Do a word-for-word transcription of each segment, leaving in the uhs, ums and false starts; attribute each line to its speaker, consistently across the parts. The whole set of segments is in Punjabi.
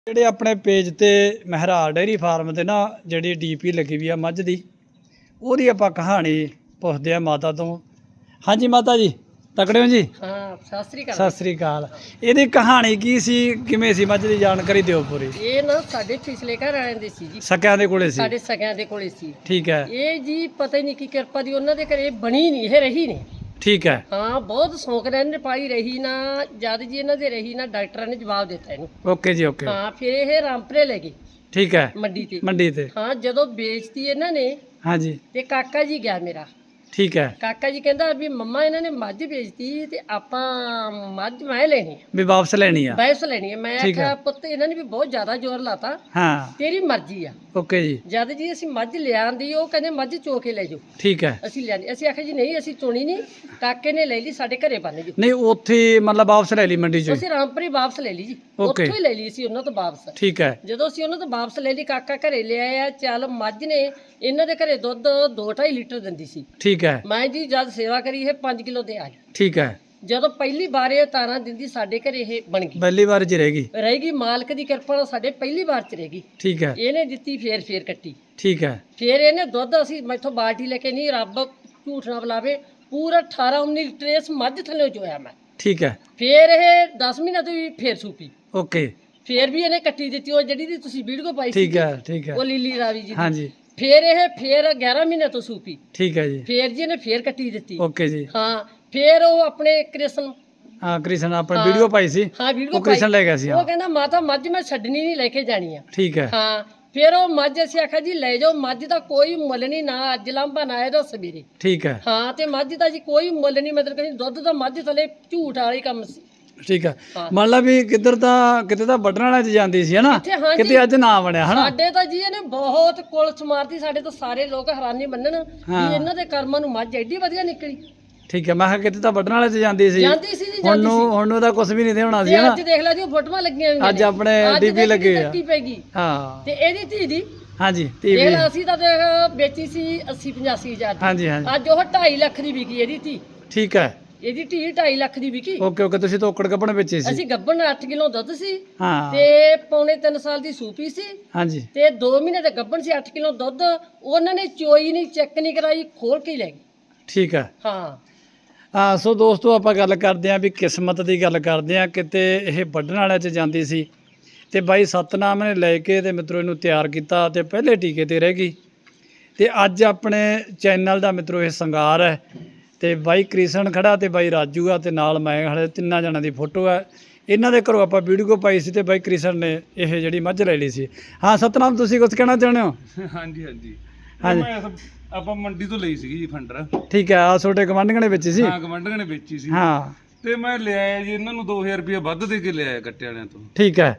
Speaker 1: ਜਿਹੜੇ ਆਪਣੇ ਪੇਜ ਤੇ ਮਹਿਰਾਜ ਡੇਅਰੀ ਫਾਰਮ ਤੇ ਨਾ ਜਿਹੜੀ ਡੀਪੀ ਲੱਗੀ ਵੀ ਆ ਮੱਝ ਦੀ ਉਹਦੀ ਆਪਾਂ ਕਹਾਣੀ ਪੁੱਛਦੇ ਆ ਮਾਤਾ ਤੋਂ। ਹਾਂਜੀ ਮਾਤਾ ਜੀ ਤਕੜੇ ਹੋ ਜੀ?
Speaker 2: ਹਾਂ ਸਤਿ ਸ੍ਰੀ ਅਕਾਲ।
Speaker 1: ਸਤਿ ਸ੍ਰੀ ਅਕਾਲ। ਇਹਦੀ ਕਹਾਣੀ ਕੀ ਸੀ, ਕਿਵੇਂ ਸੀ ਮੱਝ ਦੀ ਜਾਣਕਾਰੀ ਦਿਓ ਪੂਰੀ।
Speaker 2: ਇਹ ਨਾ ਸਾਡੇ ਪਿਛਲੇ ਘਰ ਵਾਲਿਆਂ ਦੇ ਸੀ ਜੀ,
Speaker 1: ਸਕਿਆਂ ਦੇ ਕੋਲੇ ਸੀ?
Speaker 2: ਸਾਡੇ ਸਕਿਆਂ ਦੇ ਕੋਲੇ ਸੀ।
Speaker 1: ਠੀਕ ਹੈ।
Speaker 2: ਇਹ ਜੀ ਪਤਾ ਹੀ ਨਹੀਂ ਕੀ ਕਿਰਪਾ ਦੀ ਉਹਨਾਂ ਦੇ ਘਰੇ ਬਣੀ ਨਹੀਂ, ਇਹ ਰਹੀ ਨਹੀਂ।
Speaker 1: ਠੀਕ ਹੈ।
Speaker 2: ਹਾਂ ਬਹੁਤ ਸ਼ੌਂਕ ਨਾਲ ਇਹਨੇ ਪਾਈ ਰਹੀ ਨਾ, ਜਦ ਜੀ ਇਹਨਾਂ ਦੇ ਰਹੀ ਨਾ ਡਾਕਟਰਾਂ ਨੇ ਜਵਾਬ ਦਿੱਤਾ ਇਹਨੂੰ।
Speaker 1: ਓਕੇ ਜੀ ਓਕੇ।
Speaker 2: ਹਾਂ ਫਿਰ ਇਹ ਰਾਮਪੁਰੇ ਲੈ ਗਏ।
Speaker 1: ਠੀਕ ਹੈ।
Speaker 2: ਮੰਡੀ ਤੇ
Speaker 1: ਮੰਡੀ ਤੇ
Speaker 2: ਹਾਂ ਜਦੋਂ ਵੇਚਤੀ ਇਹਨਾਂ ਨੇ
Speaker 1: ਹਾਂਜੀ
Speaker 2: ਤੇ ਕਾਕਾ ਜੀ ਗਿਆ ਮੇਰਾ।
Speaker 1: ਠੀਕ ਹੈ।
Speaker 2: ਕਾਕਾ ਜੀ ਕਹਿੰਦਾ ਵੀ ਮੰਮਾ ਇਹਨਾਂ ਨੇ ਮੱਝ ਵੇਚਤੀ ਤੇ ਆਪਾਂ ਮੱਝ ਮੈਂ ਲੈਣੀ ਆ,
Speaker 1: ਵੀ ਵਾਪਸ ਲੈਣੀ ਆ?
Speaker 2: ਵਾਪਸ ਲੈਣੀ ਆ। ਮੈਂ
Speaker 1: ਠੀਕ ਹੈ।
Speaker 2: ਆਖਿਆ ਪੁੱਤ ਇਹਨਾਂ ਨੇ ਵੀ ਬਹੁਤ ਜ਼ਿਆਦਾ ਜ਼ੋਰ ਲਾਤਾ,
Speaker 1: ਹਾਂ
Speaker 2: ਤੇਰੀ ਮਰਜ਼ੀ ਆ।
Speaker 1: ਓਕੇ ਜੀ।
Speaker 2: ਜਦ ਜੀ ਅਸੀਂ ਮੱਝ ਲਿਆਂਦੀ ਉਹ ਕਹਿੰਦੇ ਮੱਝ ਚੋ ਕੇ ਲੈ ਜਾਓ।
Speaker 1: ਠੀਕ ਹੈ।
Speaker 2: ਅਸੀਂ ਲਿਆਂਦੀ, ਅਸੀਂ ਆਖਿਆ ਜੀ ਨਹੀਂ ਅਸੀਂ ਚੋਣੀ ਨਹੀਂ, ਕਾਕੇ ਨੇ ਲੈ ਲਈ ਸਾਡੇ ਘਰੇ ਬੰਨ ਜੀ।
Speaker 1: ਨਹੀਂ ਉੱਥੇ ਮਤਲਬ ਵਾਪਸ ਲੈ ਲਈ ਮੰਡੀ ਚੋਂ?
Speaker 2: ਅਸੀਂ ਰਾਮਪੁਰੀ ਵਾਪਸ ਲੈ ਲਈ ਜੀ,
Speaker 1: Okay।
Speaker 2: ਉੱਥੋਂ ਹੀ ਲੈ ਲਈ ਸੀ ਉਹਨਾਂ ਤੋਂ ਵਾਪਸ।
Speaker 1: ਠੀਕ ਹੈ।
Speaker 2: ਜਦੋਂ ਅਸੀਂ ਉਹਨਾਂ ਤੋਂ ਵਾਪਸ ਲੈ ਲਈ ਕਾਕਾ ਘਰੇ ਲਿਆਇਆ। ਚੱਲ ਮੱਝ ਨੇ ਇਹਨਾਂ ਦੇ ਘਰੇ ਦੁੱਧ ਦੋ ਢਾਈ ਲੀਟਰ ਦਿੰਦੀ ਸੀ।
Speaker 1: ਠੀਕ ਹੈ।
Speaker 2: ਮੈਂ ਜੀ ਜਦ ਸੇਵਾ ਕਰੀ ਇਹ ਪੰਜ ਕਿਲੋ ਦੇ ਆਈ।
Speaker 1: ਠੀਕ ਹੈ।
Speaker 2: ਜਦੋਂ ਪਹਿਲੀ ਵਾਰ ਇਹ ਤਾਰਾਂ ਦਿੰਦੀ ਸਾਡੇ ਘਰੇ ਇਹ ਬਣ ਗਈ,
Speaker 1: ਪਹਿਲੀ ਵਾਰ ਚ ਰਹੇਗੀ?
Speaker 2: ਰਹੇਗੀ ਮਾਲਕ ਦੀ ਕਿਰਪਾ ਨਾਲ ਸਾਡੇ ਪਹਿਲੀ ਵਾਰ ਚ ਰਹੇਗੀ।
Speaker 1: ਠੀਕ ਹੈ।
Speaker 2: ਇਹਨੇ ਦਿੱਤੀ ਫੇਰ ਫੇਰ ਕੱਟੀ।
Speaker 1: ਠੀਕ ਹੈ।
Speaker 2: ਫੇਰ ਇਹਨੇ ਦੁੱਧ ਅਸੀਂ ਮੈਥੋਂ ਬਾਲਟੀ ਲੈ ਕੇ ਨਹੀਂ, ਰੱਬ ਝੂਠ ਨਾ ਬੁਲਾਵੇ, ਪੂਰਾ ਅਠਾਰਾਂ ਉੱਨੀ ਲੀਟਰ ਇਸ ਮੱਝ ਥੱਲੇ ਚੋਇਆ ਮੈਂ।
Speaker 1: ਠੀਕ ਹੈ।
Speaker 2: ਫੇਰ ਇਹ ਦਸ ਮਹੀਨੇ ਤੋਂ ਵੀ ਫੇਰ ਸੂਪੀ।
Speaker 1: ਓਕੇ।
Speaker 2: ਫੇਰ ਵੀ ਇਹਨੇ ਕੱਟੀ ਦਿੱਤੀ, ਉਹ ਜਿਹੜੀ ਦੀ ਤੁਸੀਂ ਵੀਡੀਓ ਪਾਈ ਸੀ
Speaker 1: ਠੀਕ ਹੈ। ਠੀਕ ਹੈ।
Speaker 2: ਉਹ ਲੀਲੀ ਰਾਵੀ ਜੀ ਦੀ।
Speaker 1: ਹਾਂਜੀ।
Speaker 2: ਫੇਰ ਇਹ ਫੇਰ ਗਿਆਰਾਂ ਮਹੀਨੇ ਤੋਂ ਸੂਪੀ।
Speaker 1: ਠੀਕ ਹੈ ਜੀ।
Speaker 2: ਫੇਰ ਜੀ ਇਹਨੇ ਫੇਰ ਕੱਟੀ ਦਿੱਤੀ।
Speaker 1: ਓਕੇ ਜੀ।
Speaker 2: ਹਾਂ ਫੇਰ ਉਹ ਆਪਣੇ ਕ੍ਰਿਸ਼ਨ,
Speaker 1: ਹਾਂ ਕ੍ਰਿਸ਼ਨ ਆਪਣੀ
Speaker 2: ਹਾਂ।
Speaker 1: ਵੀਡੀਓ ਪਾਈ ਸੀ?
Speaker 2: ਹਾਂ ਵੀਡੀਓ
Speaker 1: ਉਹ ਕ੍ਰਿਸ਼ਨ ਲੈ ਗਿਆ ਸੀ?
Speaker 2: ਉਹ
Speaker 1: ਹਾਂ
Speaker 2: ਕਹਿੰਦਾ ਮਾਤਾ ਮੱਝ ਮੈਂ ਛੱਡਣੀ ਨਹੀਂ, ਲੈ ਕੇ ਜਾਣੀ ਆ।
Speaker 1: ਠੀਕ ਹੈ।
Speaker 2: ਹਾਂ ਫਿਰ ਉਹ ਮੱਝ ਅਸੀਂ ਆਖਿਆ ਜੀ ਲੈ ਜਾਓ, ਮੱਝ ਦਾ ਕੋਈ ਮੁੱਲ ਨਹੀਂ, ਨਾ ਅੱਜ ਲਾਂਭਾ ਨਾ ਇਹਦਾ ਸਵੇਰੇ।
Speaker 1: ਠੀਕ ਹੈ।
Speaker 2: ਹਾਂ ਤੇ ਮੱਝ ਦਾ ਜੀ ਕੋਈ ਮੁੱਲ ਨਹੀਂ, ਮਤਲਬ ਕਿ ਦੁੱਧ ਦਾ ਮੱਝ ਥਲੇ ਝੂਠ ਵਾਲੀ ਕੰਮ ਸੀ।
Speaker 1: ਠੀਕ ਹੈ।
Speaker 2: ਹਾਂ।
Speaker 1: ਮੰਨ ਲਾ ਵੀ ਕਿੱਧਰ ਤਾਂ ਕਿਤੇ ਤਾਂ ਵੱਢਣ ਵਾਲਿਆਂ ਚ ਜਾਂਦੀ ਸੀ ਹਨਾ,
Speaker 2: ਇੱਥੇ ਹਾਂ ਜੀ।
Speaker 1: ਕਿਤੇ ਅੱਜ ਨਾ ਬਣਿਆ ਹਨਾ?
Speaker 2: ਸਾਡੇ ਤਾਂ ਜੀ ਇਹਨੇ ਬਹੁਤ ਕੁਲਸ ਮਾਰਤੀ, ਸਾਡੇ ਤਾਂ ਸਾਰੇ ਲੋਕ ਹੈਰਾਨੀ ਮੰਨਣ
Speaker 1: ਹਾਂ।
Speaker 2: ਵੀ ਇਹਨਾਂ ਦੇ ਕਰਮਾਂ ਨੂੰ ਮੱਝ ਐਡੀ ਵਧੀਆ ਨਿਕਲੀ।
Speaker 1: ਠੀਕ ਹੈ। ਮੈਂ ਕਿਹਾ ਕਿਤੇ ਤਾਂ ਵੱਢਣ ਵਾਲੇ ਚ ਜਾਂਦੀ ਸੀ।
Speaker 2: ਜਾਂਦੀ ਸੀ ਜੀ,
Speaker 1: ਹੁਣ
Speaker 2: ਜਾਂਦੀ
Speaker 1: ਨੂੰ
Speaker 2: ਸੀ।
Speaker 1: ਹੁਣ ਨੂੰ ਤਾਂ ਕੁਝ ਵੀ ਨਹੀਂ ਤੇ ਹੋਣਾ ਸੀ
Speaker 2: ਤੇ
Speaker 1: ਹਨਾ?
Speaker 2: ਅੱਜ ਦੇਖ ਲੈ ਜੀ ਉਹ ਫੋਟੋਆਂ ਲੱਗੀਆਂ ਹੋਈਆਂ
Speaker 1: ਅੱਜ
Speaker 2: ਨੇ।
Speaker 1: ਆਪਣੇ
Speaker 2: ਅੱਜ
Speaker 1: ਡੀਪੀ
Speaker 2: ਦੇਖ
Speaker 1: ਲੱਗੇ ਆ।
Speaker 2: ਕੱਟੀ ਪੈਗੀ।
Speaker 1: ਹਾਂ।
Speaker 2: ਤੇ ਇਹਦੀ ਧੀ ਦੀ
Speaker 1: ਹਾਂਜੀ
Speaker 2: ਦੇਖ
Speaker 1: ਟੀਵੀ।
Speaker 2: ਲੈ, ਅਸੀਂ ਤਾਂ ਦੇਖ ਵੇਚੀ ਸੀ ਅੱਸੀ ਪਚਾਸੀ ਹਜ਼ਾਰ ਦੀ।
Speaker 1: ਹਾਂਜੀ ਹਾਂਜੀ।
Speaker 2: ਅੱਜ ਉਹ ਢਾਈ ਲੱਖ ਦੀ ਵਿਕੀ ਇਹਦੀ ਧੀ।
Speaker 1: ਠੀਕ ਹੈ।
Speaker 2: ਇਹਦੀ ਧੀ ਢਾਈ ਲੱਖ ਦੀ ਵਿਕੀ।
Speaker 1: Okay okay. ਤੁਸੀਂ ਤੋਕੜ ਕੱਪਣ ਵੇਚੇ ਸੀ?
Speaker 2: ਅਸੀਂ ਗੱਬਣ ਅੱਠ ਕਿਲੋ ਦੁੱਧ ਸੀ
Speaker 1: ਹਾਂ।
Speaker 2: ਤੇ ਪੌਣੇ ਤਿੰਨ ਸਾਲ ਦੀ ਸੂਪੀ ਸੀ
Speaker 1: ਹਾਂਜੀ।
Speaker 2: ਤੇ ਦੋ ਮਹੀਨੇ ਦੇ ਗੱਬਣ ਸੀ, ਅੱਠ ਕਿਲੋ ਦੁੱਧ ਉਹਨਾਂ ਨੇ ਚੋਈ ਨਹੀਂ, ਚੈੱਕ ਨਹੀਂ ਕਰਾਈ, ਖੋਲ ਕੇ ਹੀ ਲੈ ਗਈ।
Speaker 1: ਠੀਕ ਹੈ।
Speaker 2: ਹਾਂ
Speaker 1: ਹਾਂ ਸੋ ਦੋਸਤੋ ਆਪਾਂ ਗੱਲ ਕਰਦੇ ਆਂ ਵੀ ਕਿਸਮਤ ਦੀ ਗੱਲ ਕਰਦੇ ਆਂ। ਕਿਤੇ ਇਹ ਵੱਢਣ ਵਾਲਿਆਂ 'ਚ ਜਾਂਦੀ ਸੀ ਤੇ ਬਾਈ ਸਤਨਾਮ ਨੇ ਲੈ ਕੇ ਤੇ ਮਿੱਤਰੋ ਇਹਨੂੰ ਤਿਆਰ ਕੀਤਾ ਤੇ ਪਹਿਲੇ ਟੀਕੇ ਤੇ ਰਹਿ ਗਈ। ਤੇ ਅੱਜ ਆਪਣੇ ਚੈਨਲ ਦਾ ਮਿੱਤਰੋ ਇਹ ਸ਼ਿੰਗਾਰ ਹੈ ਤੇ ਬਾਈ ਕ੍ਰਿਸ਼ਨ ਖੜਾ ਤੇ ਬਾਈ ਰਾਜੂ ਆ ਤੇ ਨਾਲ ਮੈਂ ਖੜੇ, ਤਿੰਨਾਂ ਜਣਾਂ ਦੀ ਫੋਟੋ ਹੈ। ਇਹਨਾਂ ਦੇ ਘਰੋਂ ਆਪਾਂ ਵੀਡੀਓ ਪਾਈ ਸੀ ਤੇ ਬਾਈ ਕ੍ਰਿਸ਼ਨ ਨੇ ਇਹ ਜਿਹੜੀ ਮੱਝ ਲੈ ਲਈ ਸੀ। ਹਾਂ ਸਤਨਾਮ ਤੁਸੀਂ ਕੁਝ ਕਹਿਣਾ ਚਾਹੁੰਦੇ ਹੋ?
Speaker 3: ਹਾਂਜੀ ਹਾਂਜੀ
Speaker 1: ਹਾਂਜੀ।
Speaker 3: ਮੈਂ ਇਸ- ਆਪਾਂ ਮੰਡੀ ਤੋਂ ਲਈ ਸੀਗੀ ਜੀ ਫੰਡਰ।
Speaker 1: ਠੀਕ ਹੈ। ਆ ਤੁਹਾਡੇ ਗਵਾਂਢੀਆਂ ਨੇ ਵੇਚੀ ਸੀ?
Speaker 3: ਹਾਂ ਗਵੰਡਰਾਂ ਨੇ ਵੇਚੀ ਸੀ।
Speaker 1: ਹਾਂ।
Speaker 3: ਤੇ ਮੈਂ ਲਿਆਇਆ ਜੀ ਇਹਨਾਂ ਨੂੰ ਦੋ ਹਜ਼ਾਰ ਰੁਪਇਆ ਵੱਧ ਦੇ ਕੇ ਲਿਆਇਆ ਕੱਟੇ ਵਾਲਿਆਂ ਤੋਂ।
Speaker 1: ਠੀਕ ਹੈ।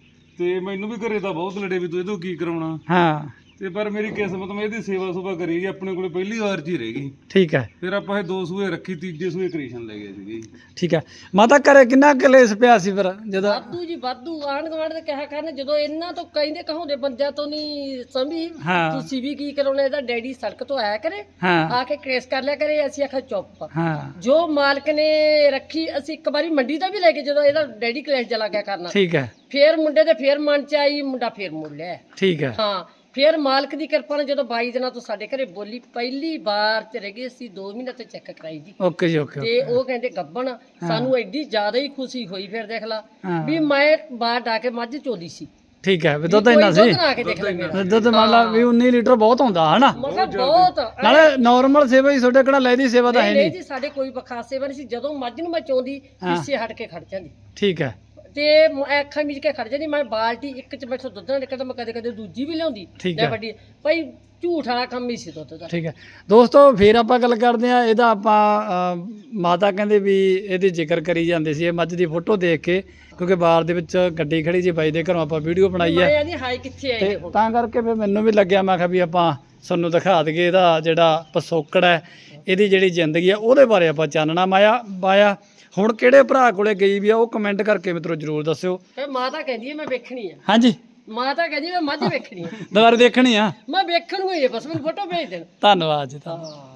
Speaker 3: ਤੇ ਮੈਨੂੰ ਵੀ ਘਰੇ ਤਾਂ ਬਹੁਤ ਲੜੇ ਵੀ ਤੂੰ ਇਹਦੋਂ ਕੀ ਕਰਾਉਣਾ।
Speaker 1: ਹਾਂ।
Speaker 3: ਤੇ ਪਰ ਮੇਰੀ ਕਿਸਮਤ ਮੈਂ ਇਹਦੀ ਸੇਵਾ ਸੁਭਾ ਕਰੀ ਜੀ, ਆਪਣੇ ਕੋਲੇ ਪਹਿਲੀ ਵਾਰ ਜੀ ਰਹਿ ਗਈ।
Speaker 1: ਠੀਕ ਹੈ।
Speaker 3: ਫਿਰ ਆਪਾਂ ਇਹ ਦੋ ਸੂਏ ਰੱਖੀ, ਤੀਜੇ ਸੂਏ ਕ੍ਰਿਸ਼ਨ ਲੈ ਗਏ ਸੀਗੇ।
Speaker 1: ਠੀਕ ਹੈ। ਮਾਤਾ ਘਰੇ ਕਿੰਨਾ ਕਲੇਸ਼ ਪਿਆ ਸੀ ਫਿਰ ਜਦੋਂ?
Speaker 2: ਵਾਧੂ ਜੀ ਵਾਧੂ, ਆਂਢ ਗੁਆਂਢ ਦੇ ਕਿਹਾ ਕਰਨ, ਜਦੋਂ ਇਹਨਾਂ ਤੋਂ ਕਹਿੰਦੇ ਕਹਾਉਂਦੇ ਬੰਦਿਆਂ ਤੋਂ ਨਹੀਂ ਸਮਝੀ।
Speaker 1: ਹਾਂ।
Speaker 2: ਤੁਸੀਂ ਵੀ ਕੀ ਕਰਾਉਣਾ, ਇਹਦਾ ਡੈਡੀ ਸੜਕ ਤੋਂ ਆਇਆ ਕਰੇ,
Speaker 1: ਹਾਂ
Speaker 2: ਆ ਕੇ ਕੇਸ ਕਰ ਲਿਆ ਕਰੇ। ਅਸੀਂ ਆਖਿਆ ਚੁੱਪ।
Speaker 1: ਹਾਂ।
Speaker 2: ਜੋ ਮਾਲਕ ਨੇ ਰੱਖੀ, ਅਸੀਂ ਇੱਕ ਵਾਰੀ ਮੰਡੀ ਦਾ ਵੀ ਲੈ ਕੇ, ਜਦੋਂ ਇਹਦਾ ਡੈਡੀ ਕਲੇਸ਼ ਚਲਾ ਗਿਆ ਕਰਨਾ,
Speaker 1: ਠੀਕ ਹੈ।
Speaker 2: ਫੇਰ ਮੁੰਡੇ ਦੇ ਫੇਰ ਮਨ ਚ ਆਈ, ਮੁੰਡਾ ਫੇਰ ਮੁੜ ਲਿਆ।
Speaker 1: ਠੀਕ ਹੈ।
Speaker 2: ਹਾਂ ਫੇਰ ਮਾਲਕ ਦੀ ਕਿਰਪਾ ਨਾਲ ਜਦੋਂ ਬਾਈ ਦਿਨਾਂ ਤੋਂ ਸਾਡੇ ਘਰੇ ਬੋਲੀ, ਪਹਿਲੀ ਵਾਰ ਚ ਰਹਿ ਗਏ ਅਸੀਂ, ਦੋ ਮਹੀਨੇ ਤੋਂ ਚੈੱਕ ਕਰਾਈ ਜੀ।
Speaker 1: ਓਕੇ ਜੀ ਓਕੇ।
Speaker 2: ਤੇ ਉਹ ਕਹਿੰਦੇ ਗੱਬਣ, ਸਾਨੂੰ ਐਡੀ ਜ਼ਿਆਦਾ ਹੀ ਖੁਸ਼ੀ ਹੋਈ। ਫਿਰ ਦੇਖ ਲਾ
Speaker 1: ਹਾਂ।
Speaker 2: ਵੀ ਮੈਂ ਬਾਹਰ ਡਾ ਕੇ ਮੱਝ ਚੋਦੀ ਸੀ।
Speaker 1: ਠੀਕ ਹੈ। ਵੀ ਦੁੱਧ
Speaker 2: ਕੋਈ
Speaker 1: ਇੰਨਾ ਸੀ?
Speaker 2: ਦੁੱਧ ਨਾ ਕੇ ਦੇਖ ਲੈ ਮੇਰਾ।
Speaker 1: ਦੁੱਧ ਮੰਨ ਲਾ ਵੀ ਉੱਨੀ ਲੀਟਰ ਬਹੁਤ ਹੁੰਦਾ ਹਨਾ?
Speaker 2: ਮੈਂ ਕਿਹਾ ਬਹੁਤ।
Speaker 1: ਨਾਲੇ ਨਾਰਮਲ ਸੇਵਾ ਹੀ ਤੁਹਾਡੇ ਕਿਹੜਾ ਲੈਦੀ ਸੇਵਾ ਤਾਂ ਹੈ
Speaker 2: ਨਹੀਂ
Speaker 1: ਨਹੀਂ?
Speaker 2: ਜੀ ਸਾਡੇ ਕੋਈ ਬਖਾਸ ਸੇਵਾ ਨਹੀਂ ਸੀ। ਜਦੋਂ ਮੱਝ ਨੂੰ ਮੈਂ ਚੋਂਦੀ ਪਿੱਛੇ ਹਟ ਕੇ ਖੜ ਜਾਂਦੀ
Speaker 1: ਠੀਕ ਹੈ।
Speaker 2: ਤੇ ਮੈਂ ਅੱਖਾਂ ਮੀਚ ਕੇ ਖੜ ਜਾਂਦੀ। ਮੈਂ ਬਾਲਟੀ ਇੱਕ ਚ ਮੈਥੋਂ ਦੁੱਧ ਨਾ ਨਿਕਲਦਾ, ਮੈਂ ਕਦੇ ਕਦੇ ਦੂਜੀ ਵੀ ਲਿਆਉਂਦੀ।
Speaker 1: ਠੀਕ
Speaker 2: ਲੈ
Speaker 1: ਹੈ।
Speaker 2: ਵੱਡੀ ਭਾਈ ਝੂਠ ਵਾਲਾ ਕੰਮ ਹੀ ਸੀ ਦੁੱਧ ਦਾ।
Speaker 1: ਠੀਕ ਹੈ ਦੋਸਤੋ। ਫਿਰ ਆਪਾਂ ਗੱਲ ਕਰਦੇ ਆ ਇਹਦਾ। ਆਪਾਂ ਅਮ, ਮਾਤਾ ਕਹਿੰਦੇ ਵੀ ਇਹਦੀ ਜ਼ਿਕਰ ਕਰੀ ਜਾਂਦੇ ਸੀ ਇਹ ਮੱਝ ਦੀ ਫੋਟੋ ਦੇਖ ਕੇ, ਕਿਉਂਕਿ ਬਾਹਰ ਦੇ ਵਿੱਚ ਗੱਡੀ ਖੜੀ ਸੀ ਬਾਈ ਦੇ ਘਰੋਂ, ਆਪਾਂ ਵੀਡੀਓ ਬਣਾਈ ਹੈ
Speaker 2: ਮੈਂ ਆਂਦੀ ਹਾਈ ਕਿੱਥੇ ਆਏ
Speaker 1: ਤੇ
Speaker 2: ਨੇ ਹੁਣ।
Speaker 1: ਤਾਂ ਕਰਕੇ ਫਿਰ ਮੈਨੂੰ ਵੀ ਲੱਗਿਆ, ਮੈਂ ਕਿਹਾ ਵੀ ਆਪਾਂ ਤੁਹਾਨੂੰ ਦਿਖਾ ਦਈਏ ਇਹਦਾ ਜਿਹੜਾ ਪਿਛੋਕੜ ਹੈ, ਇਹਦੀ ਜਿਹੜੀ ਜ਼ਿੰਦਗੀ ਆ ਉਹਦੇ ਬਾਰੇ ਆਪਾਂ ਚਾਨਣਾ ਮਾਇਆ ਪਾਇਆ। ਹੁਣ ਕਿਹੜੇ ਭਰਾ ਕੋਲੇ ਗਈ ਵੀ ਆ ਉਹ ਕਮੈਂਟ ਕਰਕੇ ਮਿੱਤਰੋ ਜ਼ਰੂਰ ਦੱਸਿਓ।
Speaker 2: ਫਿਰ ਮਾਤਾ ਕਹਿੰਦੀ ਹੈ ਮੈਂ ਵੇਖਣੀ ਆ।
Speaker 1: ਹਾਂਜੀ।
Speaker 2: ਮਾਤਾ ਕਹਿੰਦੀ ਮੈਂ ਮੱਝ ਵੇਖਣੀ ਆ।
Speaker 1: ਦੁਬਾਰਾ ਦੇਖਣੀ ਆ?
Speaker 2: ਮੈਂ ਵੇਖਣ ਨੂੰ ਹੀ ਆ, ਬਸ ਮੈਨੂੰ ਫੋਟੋ ਭੇਜ ਦੇਣ।
Speaker 1: ਧੰਨਵਾਦ ਜੀ। ਧੰਨਵਾਦ।
Speaker 2: ਹਾਂ।